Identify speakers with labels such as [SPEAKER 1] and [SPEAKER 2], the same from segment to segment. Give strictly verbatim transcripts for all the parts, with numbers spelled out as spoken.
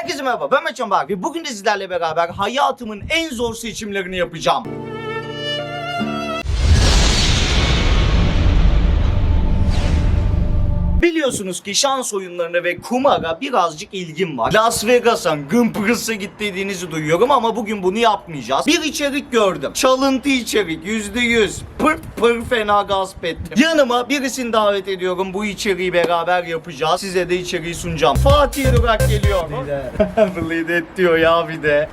[SPEAKER 1] Herkese merhaba, ben Meçhan Bak ve bugün de sizlerle beraber hayatımın en zor seçimlerini yapacağım. Biliyorsunuz ki şans oyunlarına ve kumara birazcık ilgim var. Las Vegas'a, Gımpırıs'a gittiğinizi duyuyorum ama bugün bunu yapmayacağız. Bir içerik gördüm. Çalıntı içerik, yüzde yüz. Pır pır fena gasp ettim. Yanıma birisini davet ediyorum. Bu içeriği beraber yapacağız. Size de içeriği sunacağım. Fatih Irak geliyor. Bleed et diyor ya bir de.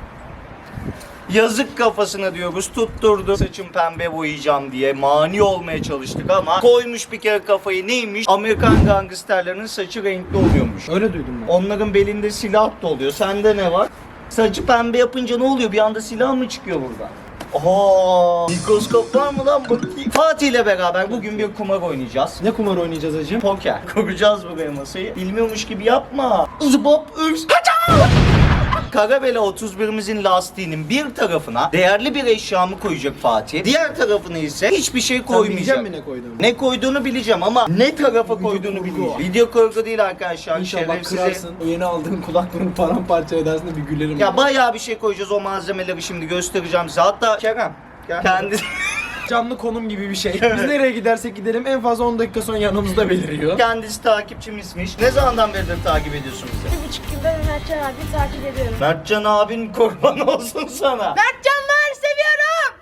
[SPEAKER 1] Yazık kafasına diyoruz, tutturdu. Saçım pembe boyayacağım diye mani olmaya çalıştık ama koymuş bir kere kafayı. Neymiş? Amerikan gangsterlerinin saçı renkli oluyormuş.
[SPEAKER 2] Öyle duydum ben.
[SPEAKER 1] Onların belinde silah da oluyor. Sende ne var? Saçı pembe yapınca ne oluyor? Bir anda silah mı çıkıyor burada? Oha! Mikroskop var mı lan bakayım? Fatih ile beraber bugün bir kumar oynayacağız.
[SPEAKER 2] Ne kumar oynayacağız hacım?
[SPEAKER 1] Poker. Kuracağız buraya masayı. Bilmiyormuş gibi yapma. Zıbap örs. Kaçam! Karabela otuz birimizin lastiğinin bir tarafına değerli bir eşyamı koyacak Fatih. Diğer tarafına ise hiçbir şey
[SPEAKER 2] Sen
[SPEAKER 1] koymayacak.
[SPEAKER 2] bilecek misin ne koyduğunu?
[SPEAKER 1] Ne koyduğunu bileceğim ama ne tarafa
[SPEAKER 2] Video
[SPEAKER 1] koyduğunu
[SPEAKER 2] kurgu
[SPEAKER 1] bilmeyeceğim.
[SPEAKER 2] o.
[SPEAKER 1] Video kurgu değil arkadaşlar.
[SPEAKER 2] İnşallah
[SPEAKER 1] Şerefsize-
[SPEAKER 2] kırarsın. O yeni aldığın kulaklığını paramparça edersin de bir gülerim.
[SPEAKER 1] Ya bayağı bir şey koyacağız, o malzemeleri şimdi göstereceğim size. Hatta Kerem gel. Kendi
[SPEAKER 2] Canlı konum gibi bir şey. Biz nereye gidersek gidelim en fazla on dakika sonra yanımızda beliriyor.
[SPEAKER 1] kendisi takipçimizmiş. Ne zamandan beridir takip ediyorsun bizi?
[SPEAKER 3] Bir buçuk yıldır Mertcan abi takip ediyorum.
[SPEAKER 1] Mertcan abin kurban olsun sana.
[SPEAKER 3] Mertcan var, seviyorum.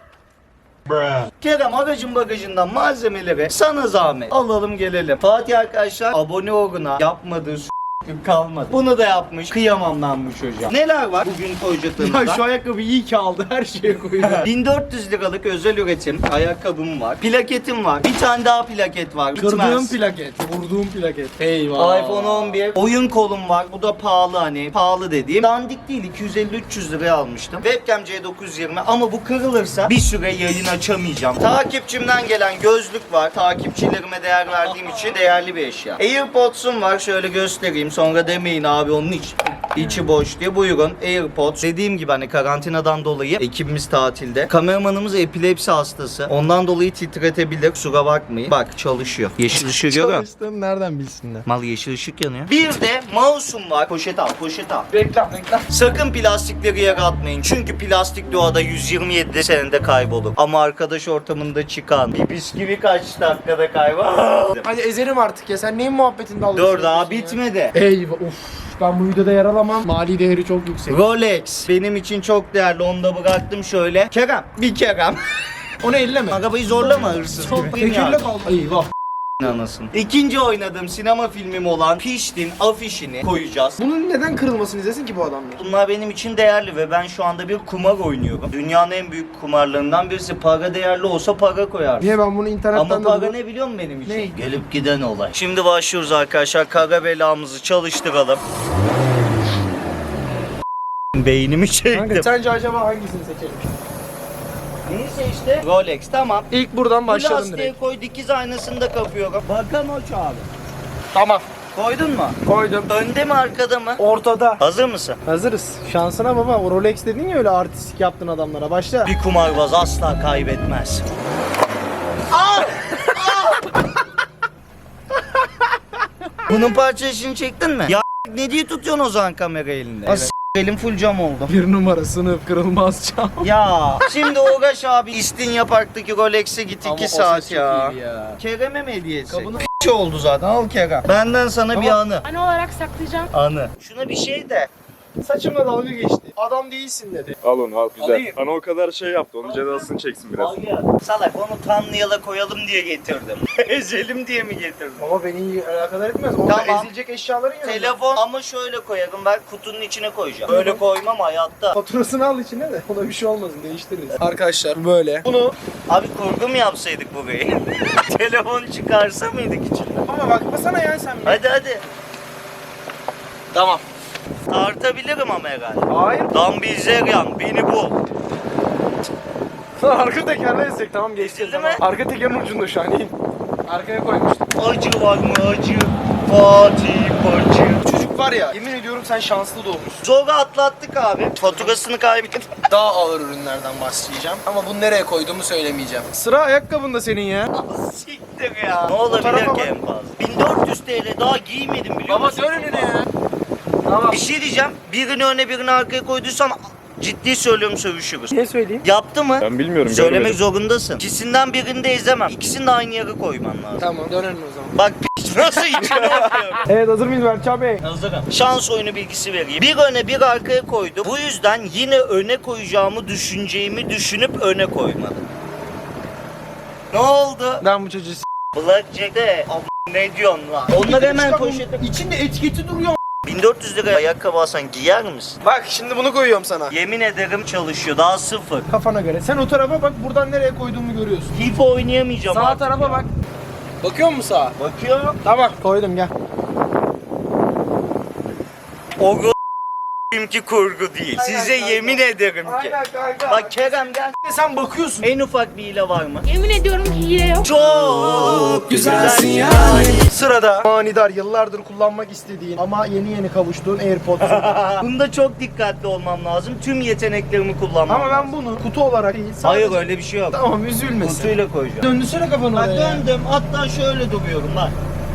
[SPEAKER 1] Kerem aracın bagajından malzemeleri sana zahmet alalım gelelim. Fatih arkadaşlar abone oluna yapmadığı s- kalmadı. Bunu da yapmış. Kıyamam lan bu çocuğa. Neler var bugün koyacaklarımızda?
[SPEAKER 2] Ya şu ayakkabı iyi ki aldı, her şeye koyuyor.
[SPEAKER 1] bin dört yüz liralık özel üretim ayakkabım var. Plaketim var. Bir tane daha plaket var.
[SPEAKER 2] Kırdığım
[SPEAKER 1] Bitmez.
[SPEAKER 2] plaket, vurduğum plaket. Eyvah.
[SPEAKER 1] iPhone on bir. Oyun kolum var. Bu da pahalı hani. Pahalı dediğim. Dandik değil. iki yüz elli üç yüz liraya almıştım. Webcam C dokuz yüz yirmi ama bu kırılırsa bir süre yayın açamayacağım. Takipçimden gelen gözlük var. Takipçilerime değer verdiğim için değerli bir eşya. AirPods'um var. Şöyle göstereyim. Sonra demeyin abi onun hiç içi boş diye. Buyurun AirPods. Dediğim gibi hani karantinadan dolayı ekibimiz tatilde. Kameramanımız epilepsi hastası. Ondan dolayı titretebilir. Kusura bakmayın. Bak çalışıyor. Yeşil ışığı görüyor musun?
[SPEAKER 2] Çalıştığını nereden bilsinler?
[SPEAKER 1] Mal yeşil ışık yanıyor. Bir de mouse'um var. Poşet al, poşet al.
[SPEAKER 2] Reklam, reklam.
[SPEAKER 1] Sakın plastikleri yere atmayın. Çünkü plastik doğada yüz yirmi yedi senede kaybolur. Ama arkadaş ortamında çıkan bir bisküvi kaç dakikada kaybolur?
[SPEAKER 2] Hadi ezerim artık ya, sen neyin muhabbetinde alıyorsun?
[SPEAKER 1] Dur daha bitmedi.
[SPEAKER 2] Eyvah, uf. Ben bu videoda yer alamam. Mali değeri çok yüksek.
[SPEAKER 1] Rolex benim için çok değerli. Onu da bıraktım şöyle. Kerem, bir Kerem.
[SPEAKER 2] Onu elleme.
[SPEAKER 1] Arabayı zorlama hırsız gibi.
[SPEAKER 2] Tekirle kaldı. Eyvah.
[SPEAKER 1] Anasını. İkinci oynadığım sinema filmim olan Piştin afişini koyacağız.
[SPEAKER 2] Bunun neden kırılmasını izlesin ki bu adamlar?
[SPEAKER 1] Bunlar benim için değerli ve ben şu anda bir kumar oynuyorum. Dünyanın en büyük kumarlarından birisi. Para değerli olsa para koyarım.
[SPEAKER 2] Niye ben bunu internetten
[SPEAKER 1] Ama
[SPEAKER 2] de
[SPEAKER 1] para
[SPEAKER 2] bulup-
[SPEAKER 1] ne biliyor musun benim için?
[SPEAKER 2] Ne?
[SPEAKER 1] Gelip giden olay. Şimdi başlıyoruz arkadaşlar. Kara belamızı çalıştıralım. Beynimi çektim.
[SPEAKER 2] Kanka sence acaba hangisini seçelim?
[SPEAKER 1] Neyse işte. Rolex tamam.
[SPEAKER 2] İlk buradan
[SPEAKER 1] Bu
[SPEAKER 2] başlayalım
[SPEAKER 1] lastiğe
[SPEAKER 2] direkt.
[SPEAKER 1] koy, dikiz aynasını da kapıyorum. Bakan o abi.
[SPEAKER 2] Tamam.
[SPEAKER 1] Koydun mu?
[SPEAKER 2] Koydum.
[SPEAKER 1] Önde mi arkada mı?
[SPEAKER 2] Ortada.
[SPEAKER 1] Hazır mısın?
[SPEAKER 2] Hazırız. Şansına baba. O Rolex dedin ya, öyle artistik yaptın adamlara. Başla.
[SPEAKER 1] Bir kumarbaz asla kaybetmez. Aa! Bunun parçasını çektin mi? Ya ne diye tutuyorsun o zaman kamera elinde?
[SPEAKER 2] Evet.
[SPEAKER 1] Elim full cam oldu.
[SPEAKER 2] Bir numara sınıf kırılmaz çam.
[SPEAKER 1] Ya şimdi Uğraş abi İstinye Park'taki Rolex'e git iki saat ya.
[SPEAKER 2] ya.
[SPEAKER 1] Kerem'e mi hediye etsek?
[SPEAKER 2] Kabını-
[SPEAKER 1] P*** oldu zaten, al Kerem. Benden sana bir
[SPEAKER 2] Tamam.
[SPEAKER 1] anı.
[SPEAKER 3] Anı olarak saklayacağım.
[SPEAKER 1] Anı. Şuna bir şey de.
[SPEAKER 2] Saçımla dalga geçti. Adam değilsin dedi.
[SPEAKER 4] Al onu al güzel.
[SPEAKER 1] Alayım.
[SPEAKER 4] Bana o kadar şey yaptı. Onun cezasını çeksin biraz.
[SPEAKER 1] Al ya. Salak onu Tanrı'ya koyalım diye getirdim. Ezelim diye mi getirdim?
[SPEAKER 2] Ama beni alakadar etmez. Orada
[SPEAKER 1] Tamam.
[SPEAKER 2] ezilecek eşyaların yanında.
[SPEAKER 1] Telefon ama şöyle koyarım, ben kutunun içine koyacağım. Böyle koymam hayatta.
[SPEAKER 2] Faturasını al içine de ona bir şey olmasın, değiştiririz. Arkadaşlar böyle. Bunu
[SPEAKER 1] Abi kurgu mu yapsaydık burayı? Telefon çıkarsa mıydık içinde?
[SPEAKER 2] ama bakmasana ya sen. bir.
[SPEAKER 1] Hadi hadi.
[SPEAKER 2] Tamam.
[SPEAKER 1] Tartabilirim ama herhalde.
[SPEAKER 2] Hayır.
[SPEAKER 1] Dan Bilzerian beni bul.
[SPEAKER 2] Arka tekerle ezecek, tamam geçti.
[SPEAKER 1] Ezildi
[SPEAKER 2] Tamam.
[SPEAKER 1] mi?
[SPEAKER 2] Arka tekerin ucunda şu an, in. Arkaya koymuştum.
[SPEAKER 1] Acı var mı acı? Fatih Bacı.
[SPEAKER 2] Çocuk var ya, yemin ediyorum sen şanslı doğmuşsun.
[SPEAKER 1] Zorla atlattık abi. Faturasını kaybettim.
[SPEAKER 2] Daha ağır ürünlerden başlayacağım. Ama bunu nereye koyduğumu söylemeyeceğim. Sıra ayakkabında senin ya.
[SPEAKER 1] Siktir ya. Ne olabilir
[SPEAKER 2] Tarafa
[SPEAKER 1] ki
[SPEAKER 2] bak.
[SPEAKER 1] en fazla? bin dört yüz T L daha giymedim biliyor
[SPEAKER 2] Baba
[SPEAKER 1] musun?
[SPEAKER 2] dön önüne ya. Tamam.
[SPEAKER 1] Bir şey diyeceğim. Birini öne birini arkaya koyduysan ciddi söylüyorum sövüşürüz.
[SPEAKER 2] Ne söyleyeyim?
[SPEAKER 1] Yaptı mı?
[SPEAKER 4] Ben bilmiyorum,
[SPEAKER 1] Söylemek
[SPEAKER 4] görmedim.
[SPEAKER 1] zorundasın. İkisinden birini de ezemem. İkisini de aynı yere koyman lazım.
[SPEAKER 2] Tamam dönelim o zaman.
[SPEAKER 1] Bak piç nasıl içine bakıyorum.
[SPEAKER 2] Evet hazır mıyız Berkcan Bey?
[SPEAKER 1] Hazırım. Şans oyunu bilgisi vereyim. Bir öne bir arkaya koydum. Bu yüzden yine öne koyacağımı düşüneceğimi düşünüp öne koymadım. Ne oldu?
[SPEAKER 2] Ben bu çocuğu s***.
[SPEAKER 1] Blackjack'te ab- ne diyorsun lan? Onları hemen poşete...
[SPEAKER 2] İçinde etiketi duruyor.
[SPEAKER 1] bin dört yüz liraya ayakkabı alsan giyer misin?
[SPEAKER 2] Bak şimdi bunu koyuyorum sana.
[SPEAKER 1] Yemin ederim çalışıyor. Daha sıfır.
[SPEAKER 2] Kafana göre. Sen o tarafa bak, buradan nereye koyduğumu görüyorsun.
[SPEAKER 1] FIFA oynayamayacağım
[SPEAKER 2] Sağ
[SPEAKER 1] artık
[SPEAKER 2] tarafa
[SPEAKER 1] ya.
[SPEAKER 2] bak. Bakıyor musun sağa?
[SPEAKER 1] Bakıyorum.
[SPEAKER 2] Tamam. Koydum gel.
[SPEAKER 1] O ki kurgu değil.
[SPEAKER 2] Aynen
[SPEAKER 1] Size
[SPEAKER 2] kanka.
[SPEAKER 1] yemin ederim ki.
[SPEAKER 2] kanka.
[SPEAKER 1] Bak Kerem gel.
[SPEAKER 2] sen bakıyorsun.
[SPEAKER 1] En ufak bir hile var mı?
[SPEAKER 3] Yemin ediyorum ki hile yok.
[SPEAKER 1] Çok güzelsin ya.
[SPEAKER 2] Sırada manidar yıllardır kullanmak istediğin ama yeni yeni kavuştuğun AirPods.
[SPEAKER 1] Bunda çok dikkatli olmam lazım. Tüm yeteneklerimi kullanmam
[SPEAKER 2] Ama
[SPEAKER 1] lazım.
[SPEAKER 2] ben bunu kutu olarak değil. sadece-
[SPEAKER 1] Hayır öyle bir şey yok.
[SPEAKER 2] Tamam üzülmesin.
[SPEAKER 1] Kutuyla koyacağım.
[SPEAKER 2] Döndürsene kafanı
[SPEAKER 1] Bak
[SPEAKER 2] oraya.
[SPEAKER 1] döndüm. Hatta şöyle duruyorum bak.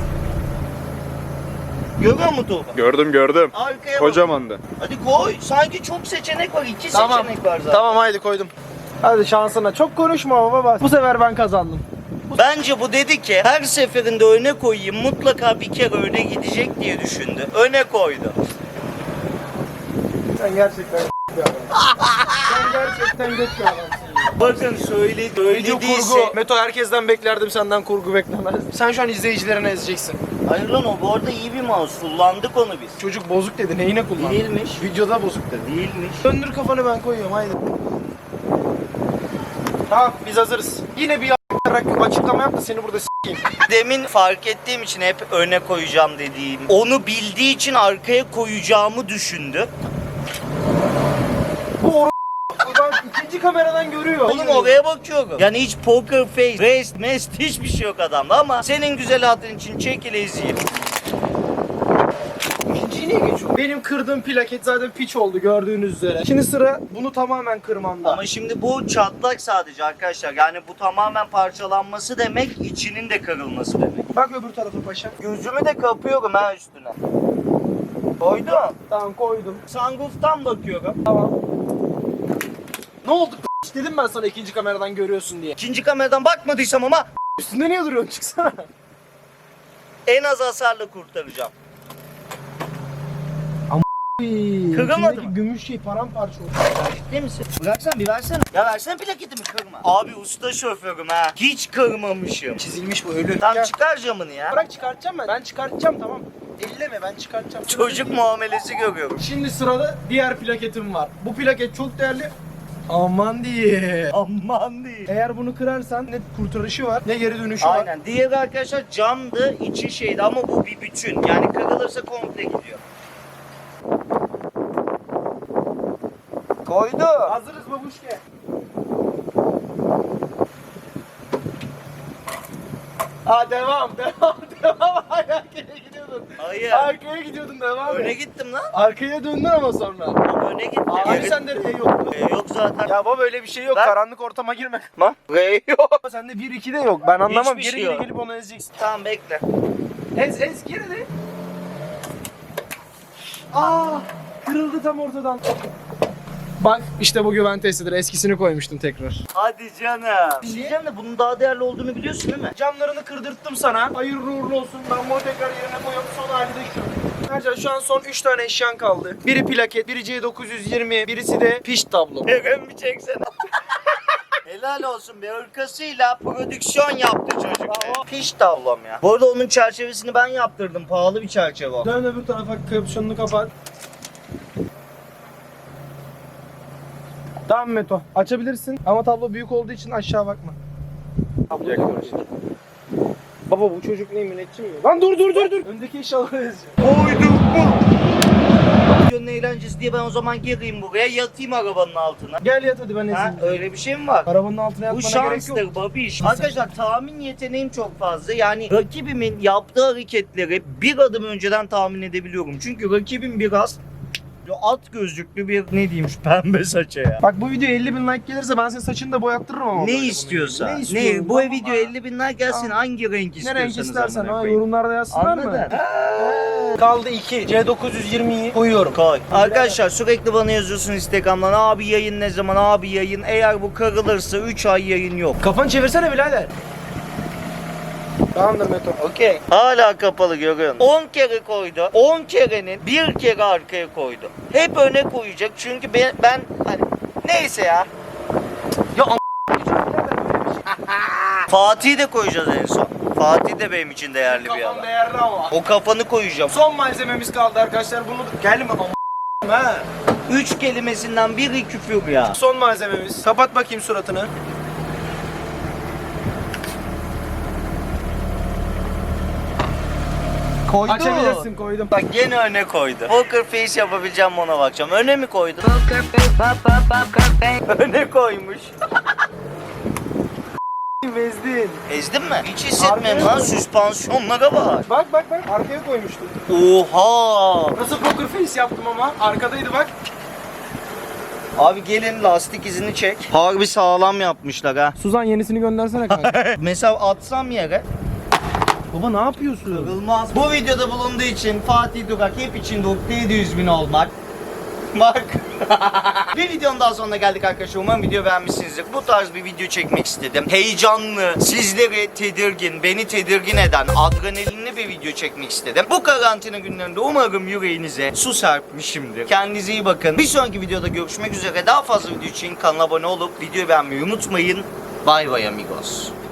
[SPEAKER 1] Görüyor musun Tuğba?
[SPEAKER 4] Gördüm gördüm.
[SPEAKER 1] Arkaya bak.
[SPEAKER 4] Kocaman da.
[SPEAKER 1] Hadi koy. Sanki çok seçenek var. İki
[SPEAKER 2] Tamam.
[SPEAKER 1] seçenek var zaten.
[SPEAKER 2] Tamam haydi koydum. Hadi şansına. Çok konuşma baba bas. Bu sefer ben kazandım.
[SPEAKER 1] Bence bu dedi ki her seferinde öne koyayım mutlaka bir kere öne gidecek diye düşündü. Öne koydu.
[SPEAKER 2] Sen gerçekten bir adamsın. Sen gerçekten geç bir adamsın.
[SPEAKER 1] Bakın söyledi. Öyle
[SPEAKER 2] Video
[SPEAKER 1] değilse.
[SPEAKER 2] kurgu. Meto herkesten beklerdim, senden kurgu beklemezdim. Sen şu an izleyicilerine ezeceksin.
[SPEAKER 1] Hayır lan o bu arada iyi bir mouse. Kullandık onu biz.
[SPEAKER 2] Çocuk bozuk dedi. Neyine kullandın?
[SPEAKER 1] Değilmiş.
[SPEAKER 2] Videoda bozuk dedi.
[SPEAKER 1] Değilmiş.
[SPEAKER 2] Döndür kafanı ben koyuyorum haydi. Tamam biz hazırız. Yine bir a**larak açıklama yap da seni burada s**eyim.
[SPEAKER 1] Demin fark ettiğim için hep öne koyacağım dediğim. Onu bildiği için arkaya koyacağımı düşündü.
[SPEAKER 2] Bu or Ulan ikinci kameradan görüyor.
[SPEAKER 1] Oğlum oraya bakıyorum. Yani hiç poker face, rest, mest hiçbir şey yok adamda ama senin güzel hatun için çekil ezeyim.
[SPEAKER 2] İkinciyi niye geçiyor? Benim kırdığım plaket zaten piç oldu gördüğünüz üzere. Şimdi sıra bunu tamamen kırmamda.
[SPEAKER 1] Ama şimdi bu çatlak sadece arkadaşlar. Yani bu tamamen parçalanması demek, içinin de kırılması demek.
[SPEAKER 2] Bak öbür tarafa paşa.
[SPEAKER 1] Gözümü de kapıyorum ha üstüne. Koydum.
[SPEAKER 2] Tamam koydum.
[SPEAKER 1] Sunroof'tan bakıyorum.
[SPEAKER 2] Tamam. Ne oldu p***? Dedim ben sana ikinci kameradan görüyorsun diye.
[SPEAKER 1] İkinci kameradan bakmadıysam ama
[SPEAKER 2] Üstünde niye duruyorsun, çıksana.
[SPEAKER 1] en az hasarla kurtaracağım.
[SPEAKER 2] Kırılmadı
[SPEAKER 1] mı?
[SPEAKER 2] Gümüş şey paramparça oldu.
[SPEAKER 1] Ciddi misin? Bıraksan bir versene. Ya versene plaketimi kırma. Abi usta şoförüm ha. Hiç kırmamışım.
[SPEAKER 2] Çizilmiş bu ölü.
[SPEAKER 1] Tam
[SPEAKER 2] Gel.
[SPEAKER 1] çıkar camını ya.
[SPEAKER 2] Bırak çıkartacağım ben. Ben çıkartacağım tamam. Elleme ben çıkartacağım.
[SPEAKER 1] Çocuk muamelesi görüyorum.
[SPEAKER 2] Şimdi sırada diğer plaketim var. Bu plaket çok değerli. Aman diye.
[SPEAKER 1] Aman değil.
[SPEAKER 2] Eğer bunu kırarsan ne kurtarışı var ne geri dönüşü var.
[SPEAKER 1] Aynen. Diğeri arkadaşlar camdı, içi şeydi ama bu bir bütün. Yani kırılırsa komple gidiyor. Koydu.
[SPEAKER 2] Hazırız babuşke. Ha devam devam devam. Arkaya gidiyordun.
[SPEAKER 1] Hayır.
[SPEAKER 2] Arkaya gidiyordun devam
[SPEAKER 1] Öne
[SPEAKER 2] et.
[SPEAKER 1] gittim lan.
[SPEAKER 2] Arkaya döndün ama sonra.
[SPEAKER 1] Öne gittim.
[SPEAKER 2] Abi
[SPEAKER 1] Geri-
[SPEAKER 2] sende R yoktu.
[SPEAKER 1] Ee, yok zaten.
[SPEAKER 2] Ya baba öyle bir şey yok.
[SPEAKER 1] Ben-
[SPEAKER 2] Karanlık ortama girme.
[SPEAKER 1] Lan. R yok.
[SPEAKER 2] Sende bir iki de yok. Ben anlamam.
[SPEAKER 1] Hiçbir
[SPEAKER 2] Geri
[SPEAKER 1] şey
[SPEAKER 2] geri
[SPEAKER 1] yok.
[SPEAKER 2] gelip onu ezeceksin.
[SPEAKER 1] Tamam bekle.
[SPEAKER 2] Ez ez geri de. Aa, kırıldı tam ortadan. Bak işte bu güven testidir. Eskisini koymuştum tekrar.
[SPEAKER 1] Hadi canım. Diyeceğim de bunun daha değerli olduğunu biliyorsun değil mi?
[SPEAKER 2] Camlarını kırdırttım sana. Hayırlı uğurlu olsun. Ben bunu tekrar yerine koyuyorum. Son hali de şu. Ercan şu an son üç tane eşyan kaldı. Biri plaket, biri C dokuz yüz yirmi, birisi de piş tablo.
[SPEAKER 1] Eren bir çeksene. Helal olsun be, ırkasıyla prodüksiyon yaptı çocuk be. Piş tavlam ya. Bu arada onun çerçevesini ben yaptırdım. Pahalı bir çerçeve o.
[SPEAKER 2] Dön öbür tarafa, kapşonunu kapat. Tamam Meto, açabilirsin ama tablo büyük olduğu için aşağı bakma.
[SPEAKER 4] Yaklaşık.
[SPEAKER 2] Baba bu çocuk ne, müneccim mi? Lan dur dur dur dur. Öndeki eşyaları yazıyor.
[SPEAKER 1] Koyduk mu? Videonun eğlencesi diye ben o zaman gireyim buraya, yatayım arabanın altına.
[SPEAKER 2] Gel yat hadi ben
[SPEAKER 1] Ha,
[SPEAKER 2] ezeyim.
[SPEAKER 1] öyle bir şey mi var?
[SPEAKER 2] Arabanın altına
[SPEAKER 1] Bu
[SPEAKER 2] yatmana gerek yok.
[SPEAKER 1] şanstır babiş. Arkadaşlar tahmin yeteneğim çok fazla. Yani rakibimin yaptığı hareketleri bir adım önceden tahmin edebiliyorum. Çünkü rakibim biraz Yo, at gözlüklü bir ne diyeyim şu pembe saça ya.
[SPEAKER 2] Bak bu video elli bin like gelirse ben senin saçını da boyattırırım ama.
[SPEAKER 1] Ne
[SPEAKER 2] böyle bunu.
[SPEAKER 1] istiyorsan.
[SPEAKER 2] Ne
[SPEAKER 1] Ne,
[SPEAKER 2] istiyorsun?
[SPEAKER 1] bu
[SPEAKER 2] Tamam
[SPEAKER 1] video
[SPEAKER 2] abi.
[SPEAKER 1] elli bin like gelsin, hangi renk
[SPEAKER 2] Ne
[SPEAKER 1] istiyorsanız.
[SPEAKER 2] renk istersen
[SPEAKER 1] amına
[SPEAKER 2] ha
[SPEAKER 1] koyayım.
[SPEAKER 2] yorumlarda yazsınlar
[SPEAKER 1] Anladın?
[SPEAKER 2] mı? Kaldı iki. C dokuz yüz yirmiyi koyuyorum.
[SPEAKER 1] Koy. Arkadaşlar sürekli bana yazıyorsun Instagram'dan, abi yayın ne zaman, abi yayın. Eğer bu kırılırsa üç ay yayın yok.
[SPEAKER 2] Kafanı çevirsene birader. Tamamdır Meto.
[SPEAKER 1] Okey. Hala kapalı görüyorsun. on kere koydu. on kerenin bir kere arkaya koydu. Hep öne koyacak çünkü ben, ben hani neyse ya.
[SPEAKER 2] Ya
[SPEAKER 1] Fatih'i de koyacağız en son. Fatih de benim için değerli bir
[SPEAKER 2] kafam
[SPEAKER 1] adam.
[SPEAKER 2] değerli ama.
[SPEAKER 1] O kafanı koyacağım.
[SPEAKER 2] Son malzememiz kaldı arkadaşlar. Bunu gelme ama ha.
[SPEAKER 1] Üç kelimesinden biri küfür ya.
[SPEAKER 2] Son malzememiz. Kapat bakayım suratını.
[SPEAKER 1] Koydu.
[SPEAKER 2] Açabilirsin, koydum.
[SPEAKER 1] Bak gene öne koydu. Poker face yapabileceğim, ona bakacağım. Öne mi koydu? Öne koymuş.
[SPEAKER 2] Bezdin.
[SPEAKER 1] Ezdin mi? Hiç hissetmiyorum
[SPEAKER 2] Arkaya
[SPEAKER 1] lan, süspansiyonlara bak.
[SPEAKER 2] Bak bak bak arkaya koymuştum.
[SPEAKER 1] Oha.
[SPEAKER 2] Nasıl poker face yaptım ama? Arkadaydı bak.
[SPEAKER 1] Abi gelin lastik izini çek. Harbi sağlam yapmışlar ha.
[SPEAKER 2] Suzan yenisini göndersene kanka.
[SPEAKER 1] Mesela atsam yere
[SPEAKER 2] Baba ne yapıyorsun?
[SPEAKER 1] kırılmaz. Bu videoda bulunduğu için Fatih Durak hep içinde ukde yedi yüz bin olmak. Bak. Bir videonun daha sonuna geldik arkadaşlar. Umarım video beğenmişsinizdir. Bu tarz bir video çekmek istedim. Heyecanlı, sizleri tedirgin, beni tedirgin eden, adrenalinli bir video çekmek istedim. Bu karantina günlerinde umarım yüreğinize su serpmişimdir. Kendinize iyi bakın. Bir sonraki videoda görüşmek üzere. Daha fazla video için kanala abone olup videoyu beğenmeyi unutmayın. Bay bay amigos.